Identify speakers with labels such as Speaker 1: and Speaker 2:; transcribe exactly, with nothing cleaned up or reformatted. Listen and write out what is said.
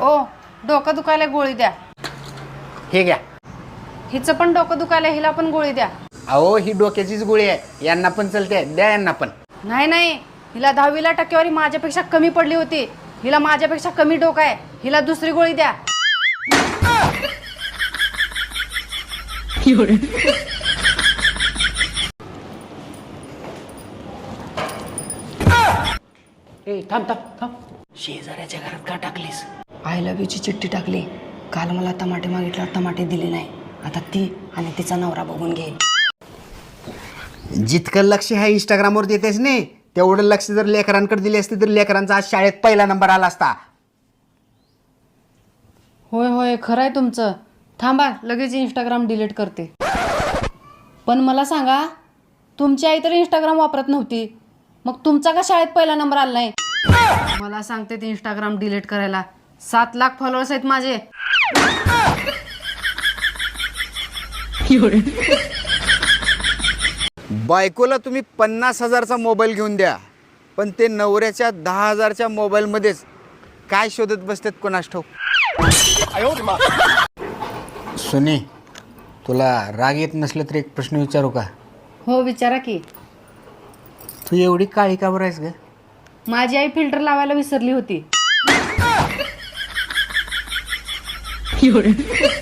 Speaker 1: ओ डोकं दुखायला गोळी द्या.
Speaker 2: हे घ्या.
Speaker 1: हिचं पण डोकं दुखायला, हिला पण गोळी द्या.
Speaker 2: अहो ही डोक्याचीच गोळी आहे, यांना पण चलते, द्या यांना पण.
Speaker 1: नाही नाही, हिला दहावीला टक्केवारी माझ्यापेक्षा कमी पडली होती. हिला माझ्यापेक्षा कमी डोकं आहे, हिला दुसरी गोळी द्या.
Speaker 2: ए थांब थांब थांब, शेजाऱ्याच्या घरात का टाकलीस?
Speaker 1: आय लव्ह यूची चिठ्ठी टाकली. काल मला टमाटे मागितल्यावर टमाटे दिले नाही. आता ती आणि तिचा नवरा बघून घे.
Speaker 2: जितकं लक्ष ह्या इंस्टाग्रामवर देतेस नाही, तेवढं लक्ष जर लेकरांकडे दिले असते तर लेकरांचा आज शाळेत पहिला नंबर आला असता.
Speaker 1: होय होय खरं आहे तुमचं. थांबा लगेच इंस्टाग्राम डिलीट करते. पण मला सांगा, तुमची आई तर इंस्टाग्राम वापरत नव्हती, मग तुमचा का शाळेत पहिला नंबर आला नाही? मला सांगते ते इंस्टाग्राम डिलीट करायला. सात लाख फॉलोअर्स आहेत माझे.
Speaker 2: बायकोला तुम्ही पन्नास हजारचा मोबाईल घेऊन द्या, पण ते नवऱ्याच्या दहा हजारच्या मोबाईलमध्येच काय शोधत बसतात कोणास ठाऊक. सुनी, तुला राग येत नसलं तर एक प्रश्न विचारू का?
Speaker 1: हो विचारा की.
Speaker 2: तू एवढी काळी का बरं आहेस ग?
Speaker 1: माझी आई फिल्टर लावायला विसरली होती.